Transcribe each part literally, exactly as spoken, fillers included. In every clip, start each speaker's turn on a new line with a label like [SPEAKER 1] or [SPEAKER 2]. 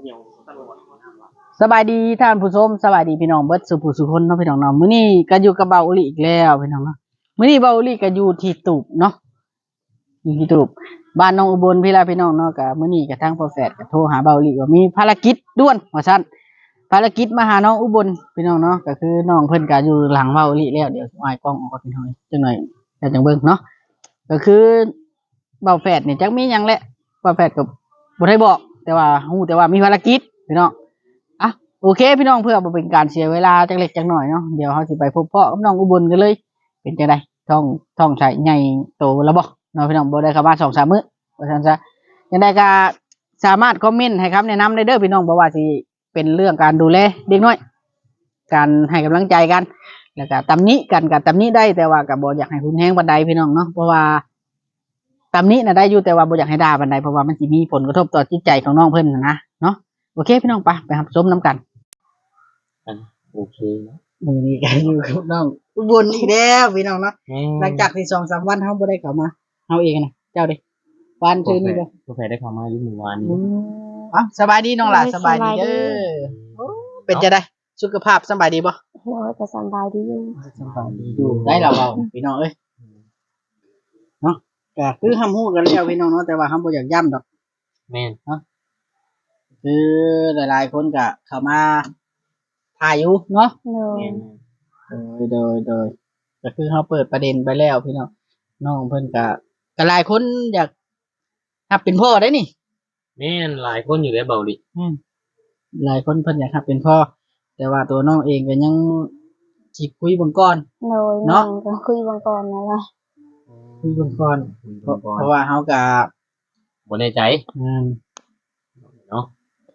[SPEAKER 1] สบายดีท่านผู้ชมสบายดีพี่น้องเบิดสุผู้สุคนเนาะพี่น้องเนาะมื้อนี้ก็อยู่กับเบาอุลิอีกแล้วพี่น้องเนาะมื้อนี้เบาอุลิก็อยู่ที่ตูบเนาะอยู่ที่ตูบบ้านน้องอุบลพี่ลาพี่น้องเนาะก็มื้อนี้ก็ทางพ่อแฝดก็โทรหาเบาอุลิว่ามีภารกิจด่วนว่าซั่นภารกิจมาหาน้องอุบลพี่น้องเนาะก็คือน้องเพิ่นก็อยู่หลังเบาอุลิแล้วเดี๋ยวอ้ายกล้องออกก่อนพี่น้องจังหน่อยแล้วจังเบิ่งเนาะก็คือเบาแฝดนี่จักมีหยังแหละเบาแฝดก็บ่ได้บอกแต่ว่าฮู้แต่ว่ามีภารกิจพี่น้องอ่ะโอเคพี่น้องเพื่อบ่เป็นการเสียเวลาจักเล็กจักน้อยเนาะเดี๋ยวเฮาสิไปพบพ่อกับน้องอุบลกันเลยเป็นจังได๋ท้องท้องใช้ใหญ่โตแล้วบ่เนาะพี่น้องบ่ได้เข้ามา สองสาม มื้อว่าซั่นซะจังได๋ก็สามารถคอมเมนต์ให้คำแนะนำได้เด้อพี่น้องบ่ว่าสิเป็นเรื่องการดูแลเด็กน้อยการให้กำลังใจกันแล้วก็ตำหนิกันก็ตำหนิได้แต่ว่าก็บ่อยากให้รุนแรงปานใดพี่น้องเนาะเพราะว่าตำหนิน่ะได้อยู่แต่ว่าบ่อยากให้ด่าปานใดเพราะว่ามันสิมีผลกระทบต่อจิตใจของน้องเพิ่นน่ะนะเนาะโอเคพี่น้องไปไปรับชมนํกัน
[SPEAKER 2] โอเคนะ
[SPEAKER 1] มื้อนี้ก็อยู่กับน้องอุบลอีกแล้วพี่น้องเนาะหลังจากที่ สองสาม วันเฮาบ่ได้เข้ามาเฮาเองน่ะเจ้าเด้วันซื่อนี่บ่
[SPEAKER 2] บ่แพ้ได้เข้ามาอยู่เมื่อวานนี้
[SPEAKER 1] อ้าวสบายดีน้องหล่ะสบายดีเด้อเป็นจังได๋สุขภาพสบายดีบ่
[SPEAKER 3] โอ้ยก็สบายดีอยู่
[SPEAKER 1] สบายดีอยู่ได้แล้วเว้าพี่น้องเอ้ยเนาะก็คือเฮาฮู้กันแล้วพี่น้องเนาะแต่ว่าเฮาบ่อยากย้ำดอก
[SPEAKER 2] แม่น
[SPEAKER 1] เนาะคือหลายๆคนก็เข้ามาถ่ายอยู่เนาะ
[SPEAKER 3] แม่น
[SPEAKER 1] โดยโดยก็คือเฮาเปิดประเด็นไปแล้วพี่น้องน้องเพิ่นก็ก็หลายคนอยากรับเป็นพ่อได้นี่
[SPEAKER 2] แม่นหลายคนอยู่ได้เบาดิ
[SPEAKER 1] อืมหลายคนเพิ่นอยากรับเป็นพ่อแต่ว่าตัวน้องเองก็ยังสิคุยเบิ่งก่อน
[SPEAKER 3] เนาะก็คุยเบิ่งก่อนนั่นแหละ
[SPEAKER 1] คุยเบิ่งก่อนเพราะว่าเฮาก็
[SPEAKER 2] บ่แน่ใจ
[SPEAKER 1] อืม
[SPEAKER 2] เนาะ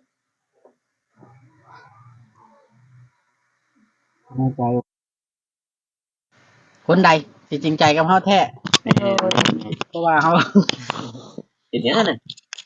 [SPEAKER 1] แน่ใจคนใดสิจริงใจกับเฮาแท้เพราะว่าเฮา
[SPEAKER 2] เป็นหยังนั่น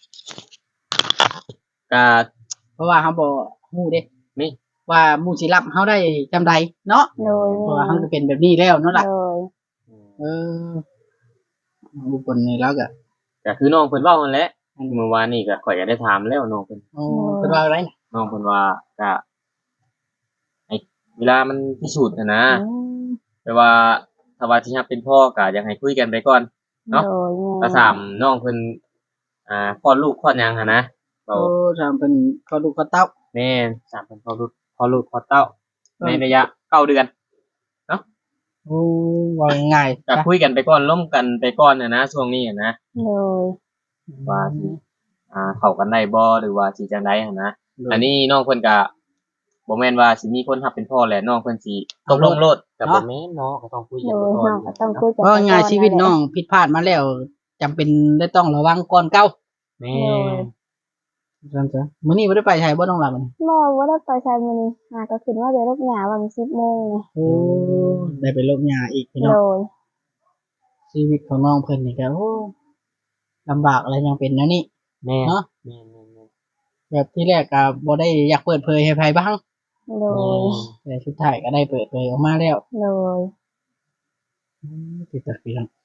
[SPEAKER 2] ก็
[SPEAKER 1] เพราะว่าเฮาบ่ฮู้เด้นี่ว่าหมู่สิรับเฮาได้จำใดเนาะเพราะว่าเฮาก็เป็นแบบนี้แล้วเนาะล่ะเอออุบลนี่แล้วก็
[SPEAKER 2] ก็คือน้องเพิ่นเว้านั่นแหละเมื่อวานนี้ก็ข่อยก็ได้ถามแล้วน้องเพิ่น
[SPEAKER 1] อ๋อเพิ่นว่าอะไร
[SPEAKER 2] น้องเพิ่นว่าก็ไอ้เวลามันพิสูจน์น่ะนะแปลว่าถ้าว่าสิรับเป็นพ่อก็อยากให้คุยกันไปก่อนเนาะก็ถามน้องเพิ่นอ่าคลอดลูกคลอดหยังหั่นนะ
[SPEAKER 1] โอ้ถามเพิ่นคลอดลูกคลอดเต้า
[SPEAKER 2] แม่นถามเพิ่นคลอดลูกคลอดลูกคลอดเต้าในระยะเก้าเดือนเนาะ
[SPEAKER 1] โอ้ว่าง่าย
[SPEAKER 2] ก็คุยกันไปก่อนร่วมกันไปก่อนน่ะนะช่วงนี้อ่ะนะ
[SPEAKER 3] โอ้
[SPEAKER 2] ว่าสิอ่าเข้ากันได้บ่หรือว่าสิจังได๋หั่นนะอันนี้น้องเพิ่นก็บ่แม่นว่าสิมีคนรับเป็นพ่อแหละน้องเพิ่นสิตกลงโลดก็บ่แม่นเนาะก็ต้องคุยกันไปก่อน
[SPEAKER 3] ก็ต้องคุยกัน
[SPEAKER 1] เพราะง่ายชีวิตน้องผิดพลาดมาแล้วจำเป็นได้ต้องระวังก่อนเก่า
[SPEAKER 2] แม่
[SPEAKER 1] ซั่นซะมื้อนี้บ่ได้ไปไสบ่น้องหล่ะมื้อนี้
[SPEAKER 3] บ่บ่ได้ไปไสมื้อนี้หาก็ขึ้นว่าได้รบหญ้าวันสิบโมงนี่
[SPEAKER 1] โอ้ได้ไปรบหญ้าอีกพี่น้อง
[SPEAKER 3] โดย
[SPEAKER 1] ชีวิตของน้องเพิ่นนี่ก็โอ้ลำบากอะไรยังเป็นนะนี่
[SPEAKER 2] แม่
[SPEAKER 1] เนาะ
[SPEAKER 2] แม่
[SPEAKER 1] ๆแบบที่แรกก็บ่ได้อยากเปิดเผยให้ไผบ้าง
[SPEAKER 3] โดย
[SPEAKER 1] แต่สุดท้ายก็ได้เปิดเผยออกมาแล้ว
[SPEAKER 3] โดย
[SPEAKER 1] อืมติดตาพี่น้อง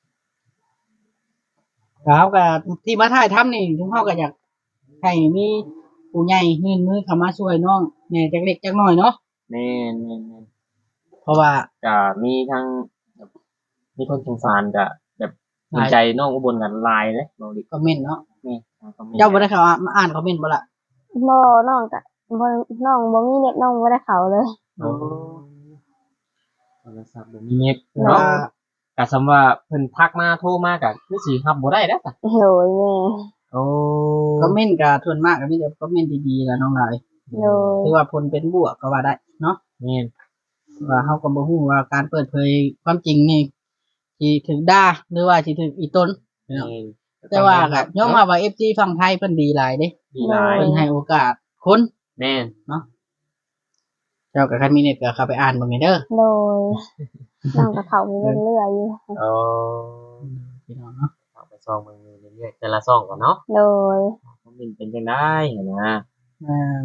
[SPEAKER 1] แล้วก็ที่มาถ่ายทำนี่ทุกเฮาก็อยากให้มีผู้ใหญ่ยื่นมือเข้ามาช่วยน้องแหน่จักเล็กจักน้อยเนาะ
[SPEAKER 2] แม่นๆ
[SPEAKER 1] เพราะว่า
[SPEAKER 2] ก็มีทั้งมีคนสงสารก็แบบเห็นใจน้องอุบลกันหลายเด้บ่ดิ
[SPEAKER 1] คอมเมนต์เนาะ
[SPEAKER 2] นี่
[SPEAKER 1] เจ้าบ่ได้เข้ามาอ่านคอมเมนต์บ่ล่ะ
[SPEAKER 3] บ่น้องก็บ่น้องบ่มีเน็ตน้องบ่ได้เข้าเลย
[SPEAKER 2] อ๋อโทรศัพท์บ่มีเน็ตเนาะก็สำว่าเพิ่นทักมาโทรมาก็คือสิรับบ่ได้เด้อจ้ะ
[SPEAKER 3] โอ้ยแม่
[SPEAKER 2] โอ้
[SPEAKER 1] คอมเมนต์ก็ส่วนมากก็มีแต่คอมเมนต์ดีๆล่ะน้องหลาย
[SPEAKER 3] โดย
[SPEAKER 1] ถือว่าผลเป็นบวกก็ว่าได้เนาะ
[SPEAKER 2] แม่น
[SPEAKER 1] ว่าเฮาก็บ่ฮู้ว่าการเปิดเผยความจริงนี่สิถูกด่าหรือว่าสิถูกอีต้นเนาะแต่ว่าก็ยอมรับว่า เอฟ ซี ฝั่งไทยเพิ่นดีหลายเด้
[SPEAKER 2] ดีหลาย
[SPEAKER 1] เพิ่นให้โอกาสคน
[SPEAKER 2] แม่น
[SPEAKER 1] เนาะเจ้าก็คันมีเน็ตก็เข้าไปอ่านเบิ่งให้เด้อ
[SPEAKER 3] โดยน้องก็เข้าไปเรื่อยๆอยู่
[SPEAKER 2] อ๋อ
[SPEAKER 1] พี่น้องเนาะ
[SPEAKER 2] เข้าไปซ่องเบิ่งเรื่อยๆแต่ละซ่องก่อนเนาะ
[SPEAKER 3] โดย
[SPEAKER 2] คอมเมนต์เป็นจังได๋หั่นนะ
[SPEAKER 1] อ่า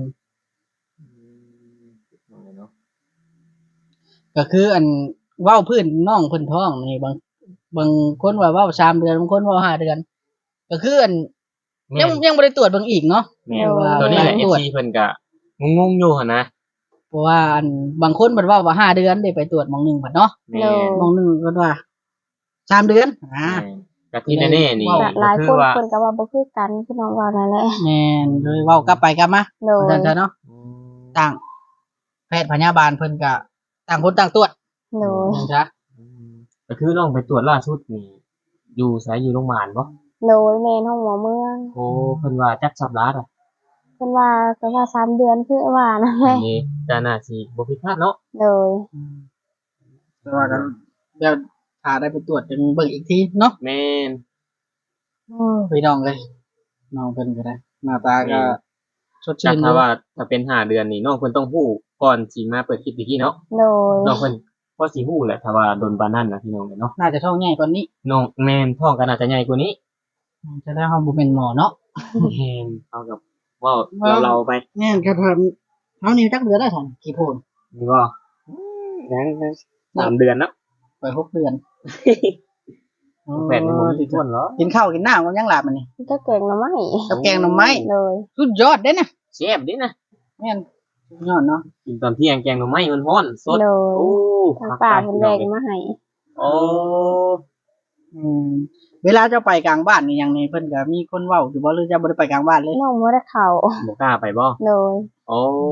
[SPEAKER 1] เนาะก็คืออันเว้าพื้นน้องเพิ่นท้องนี่บางบางคนว่าเว้าสามเดือนบางคนเว้าห้าเดือนก็คืออัน
[SPEAKER 2] แม่
[SPEAKER 1] ยัง
[SPEAKER 2] น
[SPEAKER 1] ยังบ่ได้ตรวจเบิ่งอีกเนาะ
[SPEAKER 2] แม่นตัวนี้แหละ
[SPEAKER 1] ตรวจ
[SPEAKER 2] เอฟ ซี เพิ่นก็งงๆอยู่หั่นนะ
[SPEAKER 1] เพราะว่าอันบางคนเพิ่นว่าว่าห้าเดือนได้ไปตรวจหมองหนึงบัดเนาะ
[SPEAKER 2] แม่
[SPEAKER 3] โดย
[SPEAKER 2] น
[SPEAKER 1] หมองหนึงเพิ่นว่าสามเดือนอ่า
[SPEAKER 2] แม่นก็ที่แน่ๆนี่
[SPEAKER 1] ว้
[SPEAKER 3] ก็หลาย
[SPEAKER 2] ก็
[SPEAKER 3] ค
[SPEAKER 2] คือน ว่า
[SPEAKER 3] เพิ่นก็ว่าบ่คือกันพี่น้องว่านั่นแหละ
[SPEAKER 1] แม่นเลยเว้ากลับไปกลับมา
[SPEAKER 3] โดย
[SPEAKER 1] ว่าซั่นซะเนาะ
[SPEAKER 2] อืม
[SPEAKER 1] ต่างแพทย์พยาบาลเพิ่นก็ต่างคนต่างตรวจ
[SPEAKER 3] โดย
[SPEAKER 1] ว่าซั่นซะ
[SPEAKER 2] อืมก็คือน้องไปตรวจล่าสุดนี่อยู่ไสอยู่โรงพยาบาลบ่
[SPEAKER 3] โดยแม่นห้องหมอเมือง
[SPEAKER 2] โอ้เพิ่นว่าจักสัปดาห์อ่ะ
[SPEAKER 3] เพิ่นว่าก็ว่าสามเดือนคือว่านั่นแห
[SPEAKER 2] อั
[SPEAKER 3] ละ
[SPEAKER 2] นนี้ก็น่าสิบ่ผิดพลาดเนาะ
[SPEAKER 3] โดย
[SPEAKER 1] แต่ว่ากันเดี๋ยวถ้าได้ไปตรวจจะเบิ่งอีกทีเนาะ
[SPEAKER 2] แม่น
[SPEAKER 1] พี่น้องเลยน้องเพิ่นก็ได้หน้าตาก็สด
[SPEAKER 2] จั
[SPEAKER 1] ชื่
[SPEAKER 2] ก
[SPEAKER 1] น
[SPEAKER 2] ถ้าว่าถ้าเป็นห้าเดือนนี่น้องเพิ่นต้องฮู้ก่อนสิมาเปิดคลิปอีกทีเนาะ
[SPEAKER 3] โดย
[SPEAKER 2] น้องเพิ่นพอสิฮู้แหละถ้าว่าโดนปานนั้นน่ะพี่น้องเนาะ
[SPEAKER 1] น่าจะท้องใหญ่กว่านี้
[SPEAKER 2] น้องแม่นท้องก็น่าจะใหญ่กว่านี้
[SPEAKER 1] จะได้เฮาบ่เป็นหมอเนาะ
[SPEAKER 2] แม่นเอากับเว้าเราเราไป
[SPEAKER 1] แม่นครับผมเฮานี่จักเดือนได้ซั่นกี่โพน
[SPEAKER 2] นี่บ่ยังสามเดือนเนาะ
[SPEAKER 1] ไปหกเดือน
[SPEAKER 2] แปดในหมู่ที่ท้วนเหรอ
[SPEAKER 1] กินข้าวกินน้ำกันยังหลับมันนี่
[SPEAKER 3] ก็แกงหน่อไม้
[SPEAKER 1] กับแกงหน่อไม้
[SPEAKER 3] โดย
[SPEAKER 1] สุดยอดเด้นะ
[SPEAKER 2] แซ่บดินะ
[SPEAKER 1] แม่นสุดยอดเนาะ
[SPEAKER 2] กินตอนเที่ยงแกงหน่อไม้มันร้อนสด
[SPEAKER 3] โดย
[SPEAKER 2] โอ้
[SPEAKER 3] ทางป่าเพิ่นแบ่งมาให้
[SPEAKER 2] โอ้
[SPEAKER 1] อืมเวลาเจ้าไปกลางบ้านนี่หยังนี่เพิ่นก็มีคนเว้าอยู่บ่หรือเจะบ่ได้ไปกลางบ้านเลย
[SPEAKER 3] น้องบ่ได้เข้า
[SPEAKER 2] บ่กล้าไปบ่
[SPEAKER 3] โดย
[SPEAKER 2] โอ้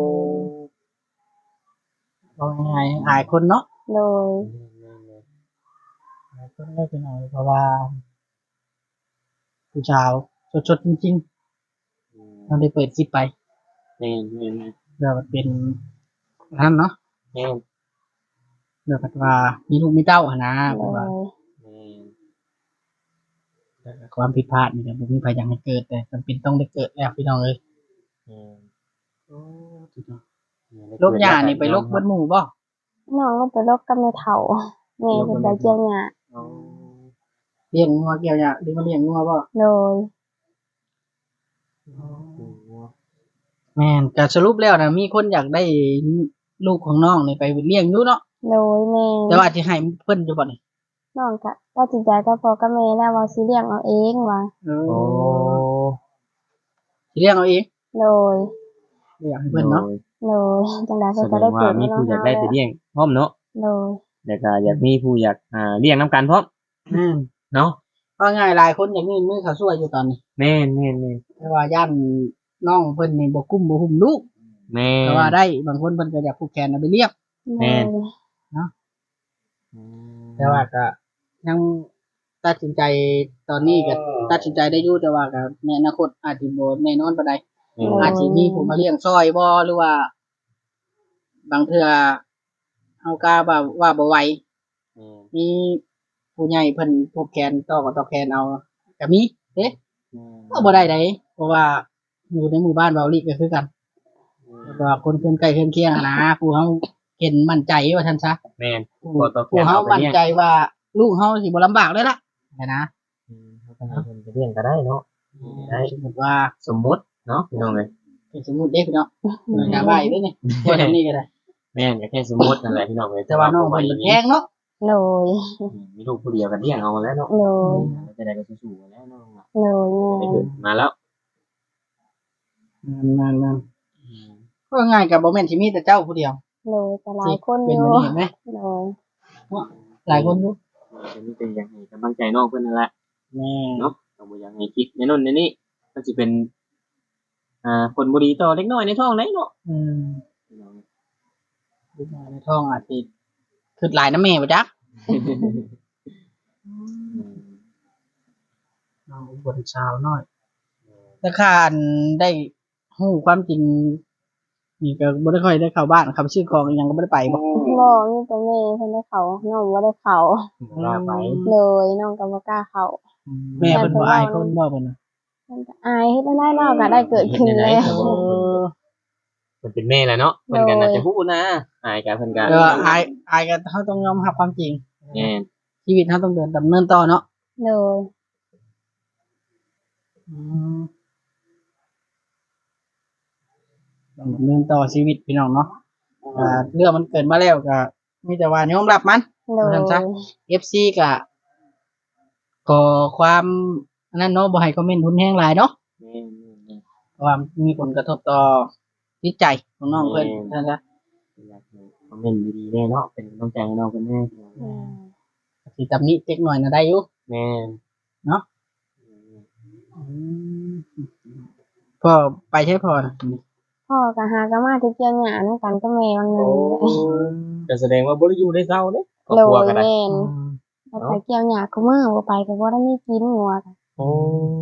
[SPEAKER 1] เอาง่ายๆอายคนเนาะ
[SPEAKER 3] โดย
[SPEAKER 1] อายคนได้เป็นเอาเพราะว่าผู้ชาวสดๆจริงๆเราได้เปิดคลิปไป
[SPEAKER 2] แม่นแม่น
[SPEAKER 1] เดี๋ยวมันเป็นนั่นเนาะ
[SPEAKER 2] แม่น
[SPEAKER 1] เดี๋ยวมันว่ามีลูกมีเต้าหนนะ
[SPEAKER 3] โด
[SPEAKER 1] เพราะว่าย
[SPEAKER 2] แม่น
[SPEAKER 1] ความผิดพลาดนี่ก็บ่มีใครอยากให้เกิดแต่จำเป็นต้องได้เกิดแล้วพี่น้องเอ้ย
[SPEAKER 2] แม่น
[SPEAKER 1] โรคหญ้านี่ไปโรคเบิดหมู่บ่
[SPEAKER 3] น้องก็ไปรบกับแม่เฒ่าแม่เพิ่นไปเกี่ยวหญ้า
[SPEAKER 2] โอ้
[SPEAKER 1] เลี้ยงงัวเกี่ยวหญ้าหรือมาเลี้ยงงัวบ่
[SPEAKER 3] โดย
[SPEAKER 1] แม่นก็สรุปแล้วนะมีคนอยากได้ลูกของน้องนี่ไปเลี้ยงอยู่เนาะ
[SPEAKER 3] โดยแม่
[SPEAKER 1] แต่ว่าสิให้เพิ่นอยู่บ่นี่
[SPEAKER 3] น้องก็ตัดสินใจกับพ่อกับแม่แล้วว่าสิเลี้ยงเอาเองว่า
[SPEAKER 1] เอ
[SPEAKER 2] โอ้
[SPEAKER 1] สิเลี้ยงเอาเอง
[SPEAKER 3] โดย
[SPEAKER 1] บ่อยากให้เพิ่นเนาะ
[SPEAKER 3] โดยจังได๋
[SPEAKER 2] แส
[SPEAKER 3] เพิ่น
[SPEAKER 2] ด
[SPEAKER 3] ก็ได้
[SPEAKER 2] ง
[SPEAKER 3] เกิ
[SPEAKER 2] ว่า
[SPEAKER 3] ด
[SPEAKER 2] มีผู้อยากได้ไปเลี้ยงพร้อมเนาะ
[SPEAKER 3] โดย
[SPEAKER 2] แล้วก็อยากมีผู้อยากอ่าเลี้ยงน้ำกันพร้อม
[SPEAKER 1] อืม
[SPEAKER 2] เนาะ
[SPEAKER 1] ว่าง่ายหลายคนอยากมีมือเขาช่วยอยู่ตอนนี้
[SPEAKER 2] แม่นแม่นแม่น
[SPEAKER 1] แต่ว่าย่านน้องเพิ่นนี่บ่กุ้มบ่หุ่มลูก
[SPEAKER 2] แม่น
[SPEAKER 1] แต่ว่าได้บางคนเพิ่นก็อยากผูกแขนเอาไปเลี้ยง
[SPEAKER 2] แม่นอืม
[SPEAKER 1] แต่ว่าก็ยังตัดสินใจตอนนี้ก็ตัดสินใจได้อยู่แต่ว่าก็ในอนาคตอาจสิบ่แน่นอนปานใด
[SPEAKER 2] แม่น
[SPEAKER 1] อาจสิมีผู้มาเลี้ยงซอยบ่หรือว่า บางเทื่อเฮากล้าว่าว่าบ่ไหว
[SPEAKER 2] แม่น
[SPEAKER 1] มีผู้ใหญ่เพิ่นผูกแขนต่อกับต่อแขนเอาก็มีเด้ก็บ่ได้ใดเพราะว่าอยู่ในหมู่บ้านเบาลีก็คือกันเพราะว่าคนเพิ่นใกล้เพิ่นเคียงอะนะผู้เฮาเห็นมั่นใจว่าซั่นซะ
[SPEAKER 2] แม่น
[SPEAKER 1] ผู้
[SPEAKER 2] บ่ต่อแขน
[SPEAKER 1] ผู้เฮา
[SPEAKER 2] เอาไป
[SPEAKER 1] มั่น
[SPEAKER 2] เลี้ยง
[SPEAKER 1] ใจว่าลูกเฮาสิบ่ลำบากเลยล่ะนะนะ
[SPEAKER 2] อืมเขาก็ให้เพิ่นไปเลี้ยงก็ได้เนาะ ได้
[SPEAKER 1] สมมุติว่า
[SPEAKER 2] สมมุติเนาะพี่น้องเอ้ย
[SPEAKER 1] เป็นสมมุติเด้พี่น้องอย่าว่าอีกเด้อนี่ตัวทำนี้ก็ได้
[SPEAKER 2] แม่นก็แค่สมมุตินั่นแหละพี่น้องเอ้ย
[SPEAKER 1] แต่ว่าน้องเพิ่นมันแพงเนาะ
[SPEAKER 3] โดย
[SPEAKER 2] อืมมีลูกผู้เดียวกันเลี้ยงเอาแล้วเนาะ
[SPEAKER 3] โดย
[SPEAKER 2] จะได้ก็สู้ๆแล้วเนาะ
[SPEAKER 3] โดย
[SPEAKER 2] ได้
[SPEAKER 3] แม่
[SPEAKER 2] เกิดมาแล้ว
[SPEAKER 1] นั่นๆๆก็ง่ายก็บ่แม่นสิมีแต่เจ้าผู้เดียว
[SPEAKER 3] โดยแต่หลา
[SPEAKER 1] ที่
[SPEAKER 3] ยคน
[SPEAKER 1] เป็
[SPEAKER 3] อน ยู่
[SPEAKER 1] แบบนี้เห็นไหม
[SPEAKER 3] โดย
[SPEAKER 1] หลายคนอยู่
[SPEAKER 2] จะมีแต่อยากให้กำลังใจน้องเพิ่นนั่นแหละ
[SPEAKER 1] แม่
[SPEAKER 2] เนาะต้องบ่อยากให้คิดในโน่นในนี่มันสิเป็น อ่าผลบ่ดีต่อเล็กน้อยในท้องไหนเนาะ
[SPEAKER 1] อืม
[SPEAKER 2] พี่น้อง
[SPEAKER 1] ลูกน้อยในท้องอาจสิคือหลายน้ำแม่บ่จัก
[SPEAKER 2] อืม
[SPEAKER 1] น้องอุบลชาวน้อยแต่ข้าอันได้ฮู้ความจริงนี่ก็บ่ได้ค่อยได้เข้าบ้านครับชื่อของอีหยังก็บ่ได้ไปบ่
[SPEAKER 3] บ่มีแต่แม่เพิ่นได้เข้าน้องบ่ได้เข้า
[SPEAKER 2] บ่กล้าไป
[SPEAKER 3] เลยน้องก็บ่กล้าเข้า
[SPEAKER 1] แม่เพิ่นบ่อายคนบ่เพิ่นน่ะ
[SPEAKER 3] เพิ่นก็อายเฮ็ดได้เนาะก็ได้เกิดขึ้นแล้ว
[SPEAKER 1] โอ้
[SPEAKER 2] เพิ่นเป็นแม่แหละเนาะเพิ่นก็น่าจะฮู้นะอายก็เพิ่นก็
[SPEAKER 1] เดี๋ยวอายอายก็เฮาต้องยอมรับความจริง
[SPEAKER 2] แม่น
[SPEAKER 1] ชีวิตเฮาต้องเดินดำเนินต่อเนาะ
[SPEAKER 3] เลย
[SPEAKER 1] อืมต้องดำเนินต่อชีวิตพี่น้องเนาะอ่าเรื่องมันเกิดมาแล้วก็มีแต่ว่ายอมรับมัน
[SPEAKER 3] เลย
[SPEAKER 1] ว่าซั่นซะ เอฟ ซี ก็ขอความอันนั้นเนาะบ่ให้คอมเมนต์ทุนแฮงหลายเนาะ
[SPEAKER 2] แม่
[SPEAKER 1] เพราะว่ามีผลกระทบต่อจิตใจของน้องเพิ่นนั่นแหละ
[SPEAKER 2] อยากให้คอมเมนต์ดีๆแน่เนาะเป็นกำลังใจให้น้องเพิ่นแน่
[SPEAKER 3] อืม
[SPEAKER 1] สิตำหนิเล็กน้อยน่ะได้อยู่
[SPEAKER 2] แม่น
[SPEAKER 1] เนาะอืมพ่อไปใช้พ่อน่ะ
[SPEAKER 3] พ่อก็หาก็มาที่เกี่ยวหญ้านํกันกับแม่บางนึง
[SPEAKER 2] ก็แสดงว่าบ่ได้อยู่ได้เศร้าเด้ครอบ
[SPEAKER 3] โด
[SPEAKER 2] ครัวย ก็ได้
[SPEAKER 3] แม่น
[SPEAKER 1] อืม
[SPEAKER 3] แล้วไปเกี่ยวหญ้าคุมื้อบ่ไปก็บ่ได้มีกินงัวก็
[SPEAKER 2] โอ้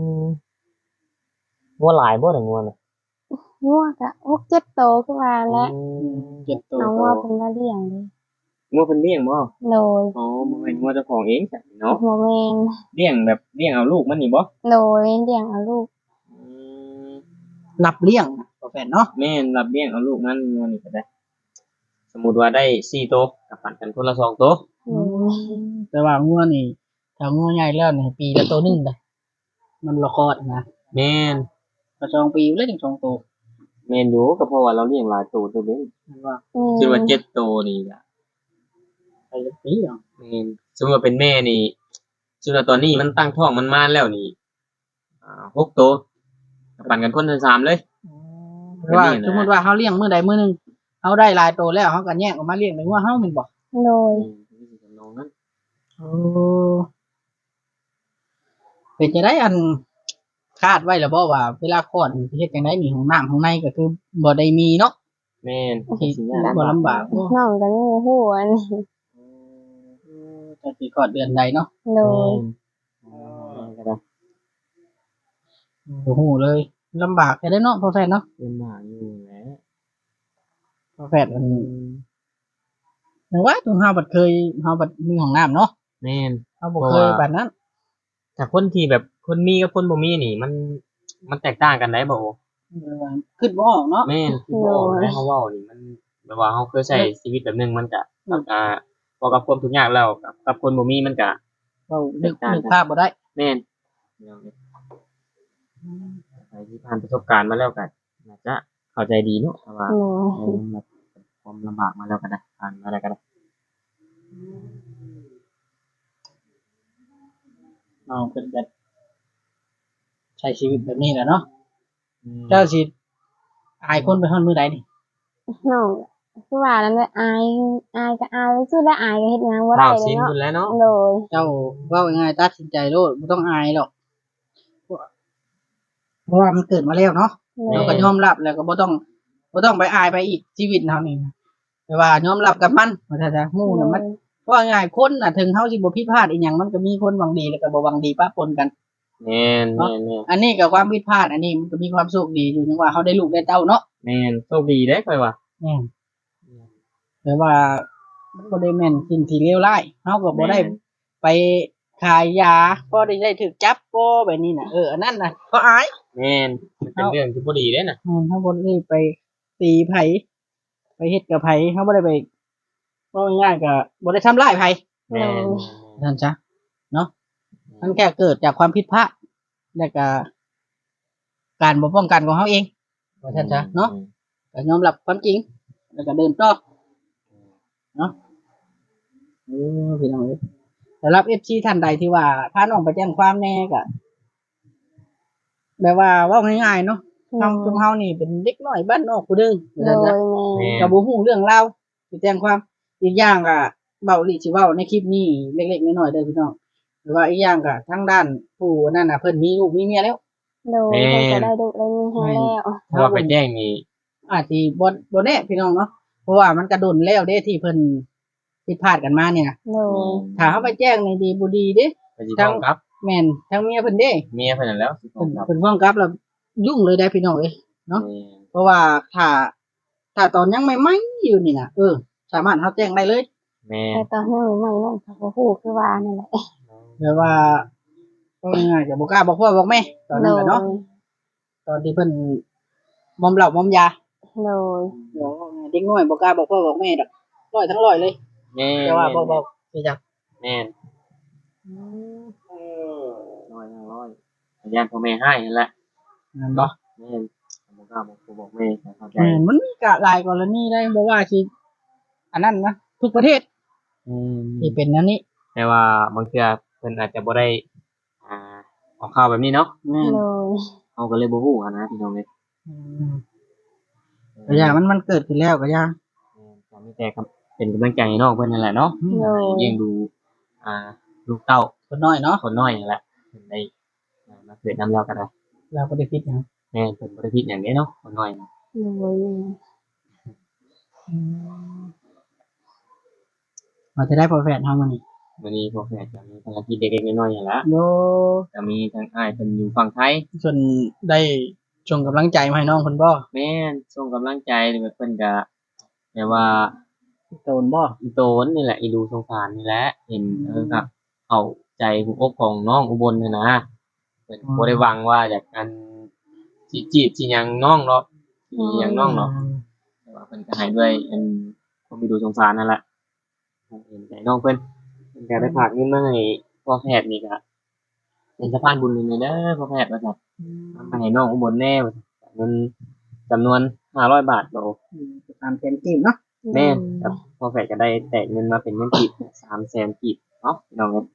[SPEAKER 2] งัวหลายบ่ได้งัวน่ะ
[SPEAKER 3] งัวก็หกเจ็ดโตคือว่าแหละ
[SPEAKER 1] เจ็บตัว
[SPEAKER 3] เอางัวเพิ่นมาเลี้ยงเด้
[SPEAKER 2] งัวเพิ่นเลี้ยงบ่
[SPEAKER 3] โดย
[SPEAKER 2] อ๋อบ่แม่นงัวเจ้าของเองจ้ะเนาะ
[SPEAKER 3] บ่แม่น
[SPEAKER 2] เลี้ยงแบบเลี้ยงเอาลูกมันนี่บ่
[SPEAKER 3] โดยเลี้ยงเอาลูก
[SPEAKER 2] อืม
[SPEAKER 1] รับเลี้ยงนะพ่อแฟนเนาะ
[SPEAKER 2] แม่นรับเลี้ยงเอาลูกมันงัวนี่ก็ได้ สมมุติว่าได้สี่โตวก็ปันกันคนละสองโตว
[SPEAKER 3] โดย
[SPEAKER 1] แต่ว่างัวนี่ถ้างัวใหญ่แล้วนี่ปีละตัวหนึงได้มันละครนะ
[SPEAKER 2] แม่น
[SPEAKER 1] ก็สองปีแล้วถึงสองตัว
[SPEAKER 2] แม่นอยู่ก็เพราะว่าเราเลี้ยงหลายตัวตัวเด้
[SPEAKER 1] มันว่า
[SPEAKER 3] อืม
[SPEAKER 2] คิดว่าเจ็ดตัวนี่ก็
[SPEAKER 1] ไปละปีเหรอ
[SPEAKER 2] แม่นสมมุติว่าเป็นแม่นี่สมมุติว่าตอนนี้มันตั้งท้องมันมาแล้วนี่อ่าหกตัวก็ปันกันคนละสามเลย
[SPEAKER 1] เพราะว่า
[SPEAKER 2] ก็นี่นะ
[SPEAKER 1] สมมติว่าเขาเลี้ยงมื้อใดมื้อหนึงเขาได้หลายตัวแล้วเขาก็แยกออกมาเลี้ยงในงัวเฮาแม่นบ่
[SPEAKER 3] โดย
[SPEAKER 2] อืมทำนองนั้น
[SPEAKER 1] โอ้เป็นจะได้อันคาดไว้แล้วบ่ว่าเวลาคลอดนี่สิเฮ็ดจังได๋นี่ห้องน้ำข้างในก็คือบ่ได้มีเนาะ
[SPEAKER 2] แม่น
[SPEAKER 1] ที่
[SPEAKER 2] สิยาก
[SPEAKER 1] บ่ลำบากบ่
[SPEAKER 3] น้องก็ยังบ่ฮู้อันนี้
[SPEAKER 1] จะสิคลอดเดือนใดเนาะ
[SPEAKER 3] โด
[SPEAKER 2] แม่
[SPEAKER 3] ย
[SPEAKER 2] นแม่นก็ได้
[SPEAKER 1] บ่ฮู้เลยลำบากแค่ได้เนาะพ่อแฟนเนาะ
[SPEAKER 2] เป็นหมาอยู่แหละ
[SPEAKER 1] พ่อแฟนมันแต่ว่าตัวเฮาบัดเคยเฮาบัดมีห้องน้ำเนาะ
[SPEAKER 2] แม่น
[SPEAKER 1] เฮาบ่เคยปานนั้น
[SPEAKER 2] แต่คนที่แบบคนมีกับคนบ่มีนี่ มันมันแตกต่างกันได้บ่
[SPEAKER 1] คิดบ่ออกเนาะ
[SPEAKER 2] แม่นคือบ่ออกนะเฮาเว้านี่มันแบบว่าเฮาเคยใช้ชีวิตแบบหนึงมันก็กับอ่าพอกับความทุกข์ยากแล้วกับกับคนบ่มีมันก็
[SPEAKER 1] เว้านึกนึกภาพบ่ได้
[SPEAKER 2] แม่นใครที่ผ่านประสบการณ์มาแล้วก็น่าจะเข้าใจดีเนาะแต่ว่า
[SPEAKER 3] โดย
[SPEAKER 2] เออแบบความลำบากมาแล้วก็ได้ผ่านมาแล้วก็ได้
[SPEAKER 1] เอาเพิ่นก็ใช้ชีวิตแบบนี้แหละเนาะ
[SPEAKER 2] อืม
[SPEAKER 1] เจ้าสิอายคนไปฮอดมื้อใดนี่
[SPEAKER 3] น้องคือว่านั่นแหละอายอายก็อายซื่อแล้วอายก็เฮ็ดหยังบ่ได้
[SPEAKER 2] ข้าว
[SPEAKER 3] เล
[SPEAKER 2] สิ
[SPEAKER 3] ย
[SPEAKER 2] น
[SPEAKER 3] เนาะ
[SPEAKER 2] พุ่นแล้วเนาะ
[SPEAKER 3] โดย
[SPEAKER 1] เจ้าเว้าง่ายๆตัดสินใจโลดบ่ต้องอายหรอกเพราะว่ามันเกิดมาแล้วเนาะ
[SPEAKER 3] โด
[SPEAKER 1] เรา
[SPEAKER 3] ย
[SPEAKER 1] ก็ยอมรับแล้วก็บ่ต้องบ่ต้องไปอายไปอีกชีวิตเฮานี่แต่ว่ายอมรับกับมันว่าถ้าจะฮู้น่ะมันเพราะว่าง่ายคนน่ะถึงเฮาสิบ่ผิดพลาดอีหยังมันก็มีคนหวังดีแล้วก็บ่หวังดีปะปนกัน
[SPEAKER 2] แม่นแม่นแม่น
[SPEAKER 1] อันนี้ก็ความผิดพลาดอันนี้มันก็มีความโชคดีอยู่จังว่าเฮาได้ลูกได้เต้าเนาะ
[SPEAKER 2] แม่นโชคดีเด้ค่อยว่า
[SPEAKER 1] แม่นแต่ว่ามันบ่ได้แม่นสิ่งที่เลวร้ายเฮาก็บ่ได้ไปขายยาบ่ได้ได้ถูกจับบ่แบบนี้น่ะเอออันนั้นน่ะก็อาย
[SPEAKER 2] แม่นมันเป็นเรื่องที่บ่ดีเด้น่ะ
[SPEAKER 1] แม่นเฮาบ่ได้ไปตีไผไปเฮ็ดกับไผเฮาบ่ได้ไปว่าง่ายๆก็บ่ได้ทำร้ายไผ
[SPEAKER 2] แม่น
[SPEAKER 1] นั่นจ้ะเนาะมันแค่เกิดจากความผิดพลาดแล้วก็การบ่ป้องกันของเฮาเองว่าซั่นจ้ะเนาะก็ยอมรับความจริง แล้วก็เดินต่อเนาะเออพี่น้องเอ้ยสำหรับ เอฟ ซี ท่านใดที่ว่าพาน้องไปแจ้งความแน่ก็แบบว่าเว้าง่ายๆเนาะเฮาซุมเฮานี่เป็นเด็กน้อยบ้านนอกผู้เด้อ
[SPEAKER 3] โด
[SPEAKER 1] ว่าซั่น
[SPEAKER 3] ย
[SPEAKER 1] จ้ะ
[SPEAKER 3] แม่
[SPEAKER 2] แม่น
[SPEAKER 1] ก็บ่ฮู้เรื่องราวสิแจ้งความอีกอย่างก็เว้าลิสิเว้าในคลิปนี้เล็กๆน้อยๆเด้อพี่น้องหรือว่าอีกอย่างก็ทางด้านผู้นั่นน่ะเพิ่นมีลูกมีเมียแล้ว
[SPEAKER 3] โดยเพิ่นก็ได้ดุได้มีให้แล้ว
[SPEAKER 2] เพราะว่าไปแจ้งนี่
[SPEAKER 1] อาจสิบ่บ่แน่พี่น้องเนาะเพราะว่ามันก็โดนแล้วเด้ที่เพิ่นผิดพลาดกันมาเนี่ย
[SPEAKER 3] โดย
[SPEAKER 1] ถ้าเฮาไปแจ้งนี่ดีบ่ดีเด้
[SPEAKER 2] ไปสิฟ้องกลับ
[SPEAKER 1] แม่นทางเมียเพิ่นเด้
[SPEAKER 2] เมียเพิ่นนั่นแหล้วสิฟ้อ
[SPEAKER 1] เพิ่
[SPEAKER 2] ง
[SPEAKER 1] น
[SPEAKER 2] กลับ
[SPEAKER 1] เพิ่นฟ้องกลับแล้วยุ่งเลยได้พี่น้องเอ้ย เนาะ
[SPEAKER 2] แม่น
[SPEAKER 1] เพราะว่าถ้าถ้าตอนยังใหม่ๆอยู่นี่น่ะเออสามารถเฮาแจ้งได้เลย
[SPEAKER 2] แม่น
[SPEAKER 3] แต่ตอนนี้ใหม่ๆน้องก็บ่ฮู้คือว่านั่นแหละ
[SPEAKER 1] แบบว่าก็ง่ายๆก็บ่กล้าบอกพ่อบอกแม่ตอนนั้นแหละเนาะตอนที่เพิ่นมอมเหล้ามอมยา
[SPEAKER 3] โดย
[SPEAKER 1] เดี๋ยวเด็กน้อยบ่กล้าบอกพ่อบอกแม่ดอกร้อยทั้งร้อยเลย
[SPEAKER 2] แม่น
[SPEAKER 1] แต่ว่าบ่บอกสิจัก
[SPEAKER 2] แม่นร้อยห้าร้อยญาติพ่อแม่ให้นั่นแหละ
[SPEAKER 1] นั่นบ่
[SPEAKER 2] แม่นบ่กล้าบอกพ่อบอกแม่ให้เข้าใจ
[SPEAKER 1] แม่นมันมีกะหลายกรณีได้บ่ว่าสิอันนั้นนะทุกประเทศ
[SPEAKER 2] อืม
[SPEAKER 1] ที่เป็นอันนี้
[SPEAKER 2] แต่ว่าบางเทื่อเพิ่นอาจจะบ่ได้อ่าออกข่าวแบบนี้เนาะ
[SPEAKER 1] แม่น
[SPEAKER 3] โดย
[SPEAKER 2] เฮาก็เลยบ่ฮู้อะนะพี่น้องเอ้ย
[SPEAKER 1] อืมก็อย่ามันมันเกิดขึ้นแล้วก็อย่า
[SPEAKER 2] ก็มีแต่ครับเป็นกำลังใจให้น้องเพิ่นนั่นแหละเนาะ
[SPEAKER 3] โดย
[SPEAKER 2] เลี้ยงดูอ่าลูกเต้า
[SPEAKER 1] คนน้อยเนาะ
[SPEAKER 2] คนน้อยนั่นแหละเพิ่นได้อ่ามาเกิดนำเราก็ได้
[SPEAKER 1] เราก็ได้คิดหยัง
[SPEAKER 2] แม่นเพิ่นบ่ได้ผิดหยังเด้เนาะคนน้อยน่ะ
[SPEAKER 3] โดย
[SPEAKER 1] เราจะได้พอแฟนเฮามื้อนี้
[SPEAKER 2] มื้อนี้พวกแฟนก็มีภารกิจเล็กๆน้อยๆนั่นแหละ
[SPEAKER 1] โย
[SPEAKER 2] ก็มีทั้งอ้ายเพิ่นอยู่ฝั่งไทย
[SPEAKER 1] ส่วนได้ส่งกำลังใจมาให้น้องเพิ่นบ่
[SPEAKER 2] แม่นส่งกำลังใจแบบเพิ่นก็แบบว่า
[SPEAKER 1] โดนบ่
[SPEAKER 2] อีโตนนี่แหละอีดูสงสารนี่แหละเห็นเออครับเข้าใจหัวอกของน้องอุบลนี่นะเพิ่นบ่ได้หวังว่าอยากอันสิจีบสิหยังน้องเนาะสิหยังน้องเนาะ แต่ว่าเพิ่นก็ให้ด้วยอันความมีดูสงสารนั่นแหละเห็นใจน้องเพิ่นเพิ่นก็ได้ฝากเงินมาให้พ่อแพทย์นี่ก็เป็นสะพานบุญหนึงเลยเด้อพ่อแพทย์ว่าซั่นเอามาให้น้องอุบลแน่ว่าซั่นเงินจำนวนห้าร้อยบาทโต
[SPEAKER 1] อืมตามแผนกีบเนาะ
[SPEAKER 2] แม่นครับพ่อแพทย์ก็ได้แตกเงินมาเป็นเงินกีบสามแสนกีบเนาะพี่น้องเอ้ย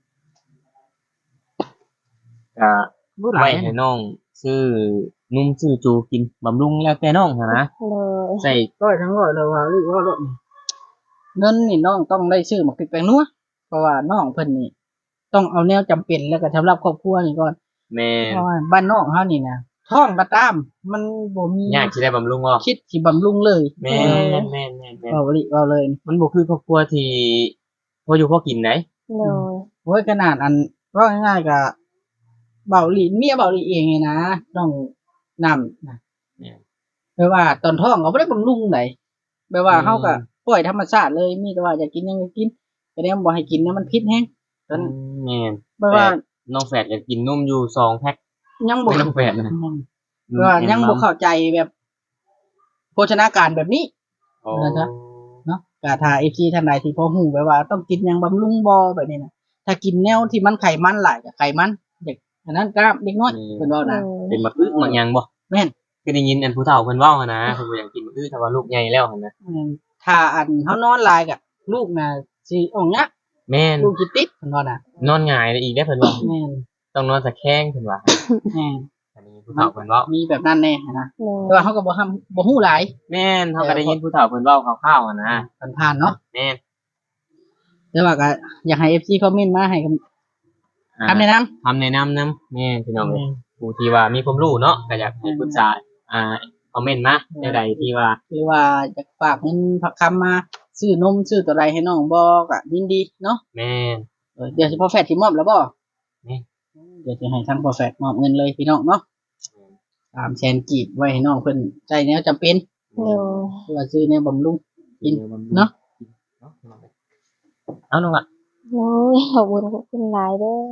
[SPEAKER 2] ก็
[SPEAKER 1] บ่หลา
[SPEAKER 2] ไว้
[SPEAKER 1] ย
[SPEAKER 2] ให้น้องซื้อนุ่มซื้อจูกินบำรุงแล้วแต่น้องหั้นนะ
[SPEAKER 3] โดย
[SPEAKER 2] ใส่
[SPEAKER 1] ร้อยทั้งร้อยเลยว่าหรือว่ารถนี่เงินนี่น้องต้องได้ซื้อหมักพริกแปงนัวเพราะว่าน้องเพิ่นนี่ต้องเอาแนวจำเป็นแล้วก็สำหรับครอบครัวนี่ก่อน
[SPEAKER 2] แม่
[SPEAKER 1] เพราะว่าบ้านนอกเฮานี่นะท้องก็ตาม มันบ่มี
[SPEAKER 2] ยากสิได้บำรุงบ่
[SPEAKER 1] คิดสิบำรุงเลย
[SPEAKER 2] แม่นแม่นแม่นแม่น
[SPEAKER 1] เว้าบ่ลิเว้าเลย
[SPEAKER 2] มันบ่คือครอบครัวที่พออยู่พอกินไหน
[SPEAKER 3] โดย
[SPEAKER 1] โอ้ยขนาดอันว่าง่ายๆก็เบาหลีเมียเบาหลีเองไงนะต้องนำนะ
[SPEAKER 2] เนี่ย
[SPEAKER 1] แปลว่าตอนท้องก็บ่ได้บำรุงไหนแปลว่า
[SPEAKER 2] อืม
[SPEAKER 1] เฮาก็ปล่อยธรรมชาติเลยมีแต่ว่าอยากกินหยังก็กินแต่เนี่ยบ่ให้กินนะมันพิษแฮงตอน
[SPEAKER 2] แม่น
[SPEAKER 1] แปลว่า
[SPEAKER 2] น้องแฝดก็กินนมอยู่สองแพ็ค
[SPEAKER 1] ยังบ่
[SPEAKER 2] ไม่น้องแฝดนะ
[SPEAKER 1] แปลว่ายังบ่เข้าใจแบบโภชนาการแบบนี้
[SPEAKER 2] โอ้
[SPEAKER 1] นะจ๊ะ เนาะก็ถ้า เอฟ ซี ท่านใดที่พอฮู้แบบว่าต้องกินหยังบำรุงบ่แบบนี้นะถ้ากินแนวที่มันไขมันหลายก็ไขมันเด็กอันนั้นกล้ามเด็กน้อยเพิ่นเว้า
[SPEAKER 3] โด
[SPEAKER 1] นะ
[SPEAKER 3] ย
[SPEAKER 2] เป็นมักอึมักหยังบ่
[SPEAKER 1] แม่น
[SPEAKER 2] คือได้ยินอันผู้เฒ่าเพิ่นเว้าหั่นนะเพิ่นบ่อยากกินมักอึถ้าว่าลูกใหญ่แล้วหั่นนะ
[SPEAKER 1] อืมถ้าอันเขานอนหลายกับลูกน่ะสิออกเนี้ย
[SPEAKER 2] แม่น
[SPEAKER 1] ลูกจิติดเพิ่นว่าน่ะ
[SPEAKER 2] นอนหงายเลยอีกได้อเพิ่นว่า
[SPEAKER 1] แม่น
[SPEAKER 2] ต้องนอนตะแคงเพิ่นว่า
[SPEAKER 1] แม่น
[SPEAKER 2] อันนี้ผู้เฒ่าเพิ่นเว้า
[SPEAKER 1] มีแบบนั้นแน่นะ
[SPEAKER 3] โดย
[SPEAKER 1] แต่ว่าเขาก็บ่ทำบ่ฮู้หลาย
[SPEAKER 2] แม่นเฮาก็ได้ยินผู้เฒ่าเพิ่นเว้าคร่าวๆหั่นนะ
[SPEAKER 1] ผ่านๆเนาะ
[SPEAKER 2] แม่น
[SPEAKER 1] แต่ว่าก็อยากให้ เอฟ ซี คอมเมนต์มาให้ค
[SPEAKER 2] อ่า
[SPEAKER 1] ำคำแนะนำ
[SPEAKER 2] คำแนะนำนำแม่นพี่น้องเอ้ยผู้ที่ว่ามีความรู้เนาะก็อยากให้ปรึกษาอ่าคอมเมนต์มาในใดที่ว่า
[SPEAKER 1] หรือว่าอยากฝากเงินผักคำมาซื้อนมซื้อตัวใดให้น้องบ่ก็ยินดีเนาะ
[SPEAKER 2] แม่น
[SPEAKER 1] เออเดี๋ยวสิพอแฟดสิมอบแล้วบ่
[SPEAKER 2] นี่
[SPEAKER 1] เดี๋ยวสิให้ทางพอแฟดมอบเงินเลยพี่น้องเนาะสามแสนกีบไว้ให้น้องเพิ่นใช้แนวจำเป็น
[SPEAKER 3] โดย
[SPEAKER 1] เพื่อซื้อแนวบำรุง กินเนาะ
[SPEAKER 2] เอาน้องละ
[SPEAKER 3] โอ้ยขอบคุณขอบคุณหลายเด้อ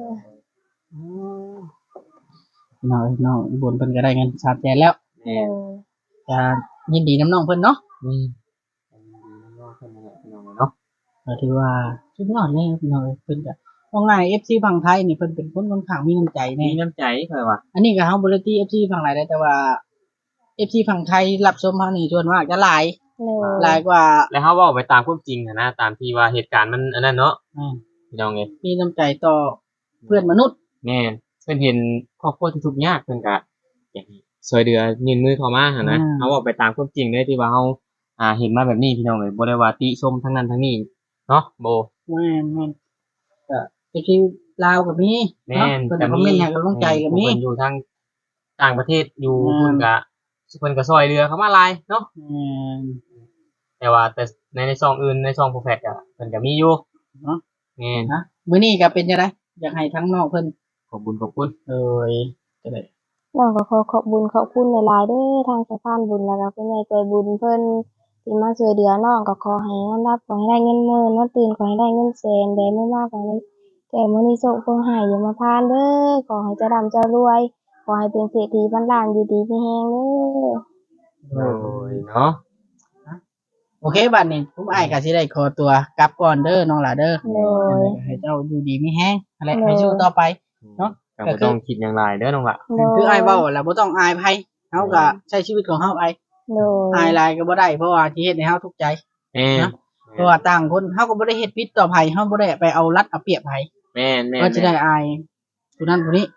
[SPEAKER 1] พี่น้องเอ้ยน้องอุบลเพิ่นก็ได้เงินสามแสนแล้ว
[SPEAKER 2] แม่
[SPEAKER 3] โดย
[SPEAKER 1] จะยินดีน้ำน้องเพิ่นเนาะ
[SPEAKER 2] นี่อันนี้น้องเพิ่นนั่นแหละพี่น้องเนาะ
[SPEAKER 1] ก็ถือว่าสุดยอดเลยพี่น้องเอ้ยเพิ่นก็เอาง่าย เอฟ ซี ฝั่งไทยนี่เพิ่นเป็นคนค่อนข้างมีน้ำใจ
[SPEAKER 2] มี
[SPEAKER 1] แน่
[SPEAKER 2] น้ำใจเพิ่นว่า
[SPEAKER 1] อันนี้ก็เฮาบ่ได้ตี เอฟ ซี ฝั่งหลายได้แต่ว่า เอฟ ซี ฝั่งไทยรับชมเฮานี่ส่วนมากจะหลาย
[SPEAKER 3] โดย
[SPEAKER 1] หลายกว่า
[SPEAKER 2] แล้วเฮาเว้าไปตามความจริงหั้นนะตามที่ว่าเหตุการณ์มันอันนั้นเนาะ
[SPEAKER 1] อ่า
[SPEAKER 2] พี่น้องเอ้ย
[SPEAKER 1] มีน้ำใจต่อเพื่อนมนุษย์
[SPEAKER 2] แม่นเพิ่นเห็นครอบครัวที่ทุกข์ยากเพิ่นก็อยากให้ช่วยเหลือยื่นมือเข้ามาหั่นนะเฮาเว้าไปตามความจริงเลยที่ว่าเฮาอ่าเห็นมาแบบนี้พี่น้องเอ้ยบ่ได้ว่าติชมทั้งนั้นทั้งนี้เนาะโบ
[SPEAKER 1] แม่นแม่นก็ เอฟ ซี ลาวก็มี
[SPEAKER 2] แม่
[SPEAKER 1] เนาะ
[SPEAKER 2] น
[SPEAKER 1] เพิ่นก็คอมเมนต์ให้กำลังใจก็มี
[SPEAKER 2] เพิ่นอยู่ทางต่างประเทศอยู่
[SPEAKER 1] อืม
[SPEAKER 2] เพิ่นก็เพิ่นก็ช่วยเหลือเข้ามาหลายเนาะ
[SPEAKER 1] แม่น
[SPEAKER 2] แต่ว่าแต่ในในช่องอื่นในช่องโปรแฟกอะเพิ่นก็มีอยู่
[SPEAKER 1] เนาะ
[SPEAKER 2] แม่น
[SPEAKER 1] นะมื้อนี้ก็เป็นจังได๋อยากให้ทั้งน้องเพิ่น
[SPEAKER 2] ขอบคุณขอบคุณ
[SPEAKER 1] เอ้ยจะได้
[SPEAKER 3] น้องก็ขอขอบบุญขอบคุณหลายๆเด้อทางสะพานบุญแล้วก็ผู้ใหญ่ใจบุญเพิ่นที่มาช่วยเหลือน้องก็ขอให้นอนรับขอให้ได้เงินหมื่นนอนตื่นขอให้ได้เงินแสนได้มื้อมากขอให้แต่มื้อนี้โชคเพิ่นให้อย่ามาพานเด้อขอให้เจะร่ำเจะรวย ขอให้เป็นเศรษฐีพันล้านอยู่ดีมีแฮงเด้อ
[SPEAKER 2] โอ้ยเนาะ
[SPEAKER 1] โอเคบัดนี้ผมอ้ายก็สิได้ขอตัวกลับก่อนเด้อน้องหลาเด้อ
[SPEAKER 3] โดย
[SPEAKER 1] ให้เจ้าอยู่ดีมีแฮงอะไร
[SPEAKER 3] โอ้
[SPEAKER 1] ให้สู้ต่อไป เนาะ
[SPEAKER 2] ก็บ่ต้องคิดอย่างไรเด้อน้องละ
[SPEAKER 3] โดย
[SPEAKER 1] คืออ้ายเว้าแล้วบ่ต้องอายไผเฮาก็ใช้ชีวิตของเฮาไป
[SPEAKER 3] โดย
[SPEAKER 1] อายหลายก็บ่ได้เพราะว่าที่เฮ็ดให้เฮาทุกข์ใจ
[SPEAKER 2] แม่น
[SPEAKER 1] เนาะ เพราะว่าต่างคนเฮาก็บ่ได้เฮ็ดผิดต่อไผเฮาบ่ได้ไปเอารัดเอาเปรียบไผ
[SPEAKER 2] แม่นแม่น
[SPEAKER 1] ก็จะได้อายผู้นั้นผู้นี้เนาะ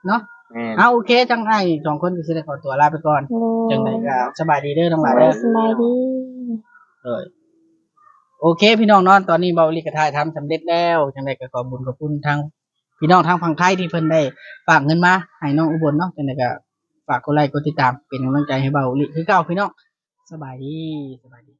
[SPEAKER 2] แม่น
[SPEAKER 1] เอาโอเคจังไอ้สองคนก็สิได้ขอตัวลาไปก่อน
[SPEAKER 3] โดย
[SPEAKER 1] จังไดก็สบายดีเด้อทั้งหลาย
[SPEAKER 3] โด
[SPEAKER 1] เด้
[SPEAKER 3] ย
[SPEAKER 1] อ
[SPEAKER 3] สบายดี
[SPEAKER 1] เอ้ยโอเค พี่น้องเนาะตอนนี้เบาอีหลีก็ถ่ายทำสำเร็จแล้วจังไดก็ขอบุญขอบคุณทางพี่น้องทางฝั่งไทยที่เพิ่นได้ฝากเงินมาให้น้องอุบลเนาะจังไดก็ฝากกดไลค์กดติดตามเป็นกำลังใจให้เบาอีหลีคือเก่าพี่น้องสบายดีสบายดี